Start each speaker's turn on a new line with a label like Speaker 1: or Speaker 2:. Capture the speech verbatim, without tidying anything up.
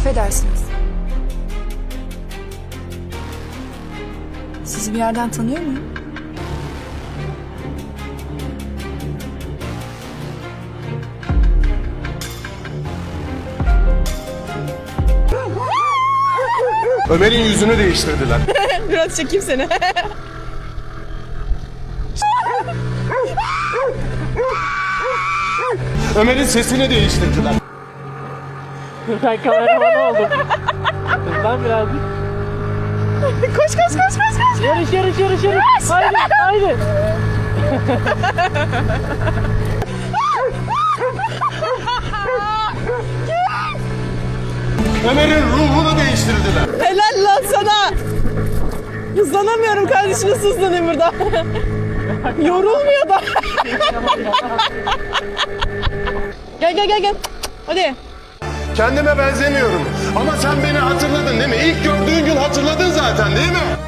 Speaker 1: Affedersiniz. Sizi bir yerden tanıyor muyum?
Speaker 2: Ömer'in yüzünü değiştirdiler.
Speaker 3: Biraz çekeyim seni.
Speaker 2: Ömer'in sesini değiştirdiler.
Speaker 4: Ben kameraman oldum. Hızlan birazcık.
Speaker 3: Koş koş koş koş koş.
Speaker 4: Yarış yarış yarış yarış. Haydi haydi.
Speaker 2: Ömer'in ruhunu değiştirdiler.
Speaker 3: Helal lan sana. Hızlanamıyorum kardeşim, nasıl hızlanayım burada? Yorulmuyor da. Gel gel gel gel. Hadi.
Speaker 2: Kendime benzemiyorum. Ama sen beni hatırladın değil mi? İlk gördüğün gün hatırladın zaten değil mi?